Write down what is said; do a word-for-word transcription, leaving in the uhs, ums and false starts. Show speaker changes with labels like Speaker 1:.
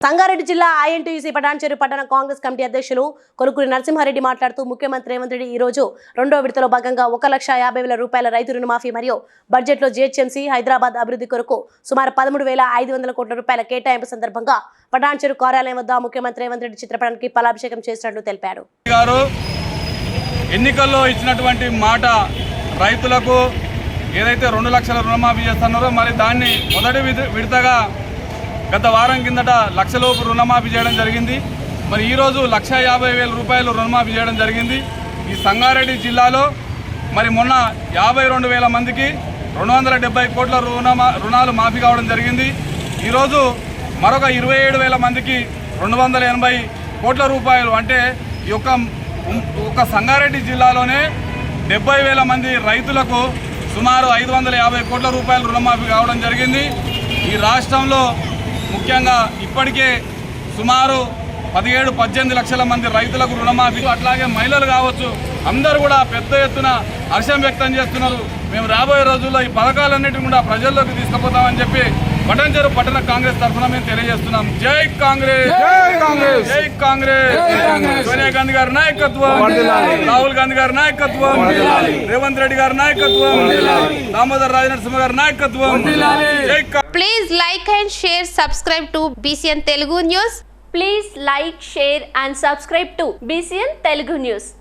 Speaker 1: సంగారెడ్డి జిల్లా ఐఎన్టీయూసీ పటాన్చెరు పట్టణ కాంగ్రెస్ కమిటీ అధ్యక్షులు కొలుకురి నరసింహారెడ్డి మాట్లాడుతూ ముఖ్యమంత్రి రేవంత్ రెడ్డి ఈ రోజు రెండో విడతలో భాగంగా ఒక లక్ష యాభై వేల రూపాయల రైతు రుణమాఫీ మరియు బడ్జెట్లో జీహెచ్ఎంసీ హైదరాబాద్ అభివృద్ధి కొరకు సుమారు పదమూడు వేల ఐదు వందల కోట్ల రూపాయల కేటాయింపు సందర్భంగా పటాన్చెరు కార్యాలయం వద్ద ముఖ్యమంత్రి రేవంత్ రెడ్డి చిత్రపటానికి పాలాభిషేకం చేసినట్లు తెలిపారు.
Speaker 2: ఎన్నికల్లో ఇచ్చినటువంటి మాట రైతులకు ఏదైతే రెండు లక్షల రుణమాఫీ చేస్తున్నారో మరి దాన్ని మొదటి విడతగా గత వారం కిందట లక్షలోపు రుణమాఫీ చేయడం జరిగింది. మరి ఈరోజు లక్ష యాభై వేల రూపాయలు రుణమాఫీ చేయడం జరిగింది. ఈ సంగారెడ్డి జిల్లాలో మరి మొన్న యాభై రెండు వేల మందికి రెండు వందల డెబ్బై కోట్ల రుణమా రుణాలు మాఫీ కావడం జరిగింది. ఈరోజు మరొక ఇరవై ఏడు వేల మందికి రెండు వందల ఎనభై కోట్ల రూపాయలు అంటే ఈ యొక్క ఒక సంగారెడ్డి జిల్లాలోనే డెబ్బై వేల మంది రైతులకు సుమారు ఐదు వందల యాభై కోట్ల రూపాయలు రుణమాఫీ కావడం జరిగింది. ఈ రాష్ట్రంలో ముఖ్యంగా ఇప్పటికే సుమారు పదిహేడు పద్దెనిమిది లక్షల మంది రైతులకు రుణమాఫీ, అట్లాగే మహిళలు కావచ్చు, అందరూ కూడా పెద్ద ఎత్తున హర్షం వ్యక్తం చేస్తున్నారు. మేము రాబోయే రోజుల్లో ఈ పథకాలన్నిటిని కూడా ప్రజల్లోకి తీసుకుపోతామని చెప్పి పటాన్చెరు పట్టణ కాంగ్రెస్ తరఫున మేము తెలియజేస్తున్నాం. జై కాంగ్రెస్, జై కాంగ్రెస్. సోనియా గాంధీ గారి నాయకత్వం, రాహుల్ గాంధీ గారి నాయకత్వం, రేవంత్ రెడ్డి గారి నాయకత్వం, దామోదర్ రాజనరసింహ గారి నాయకత్వం.
Speaker 3: Please like and share, subscribe to B C N Telugu News.
Speaker 4: Please like, share and subscribe to B C N Telugu News.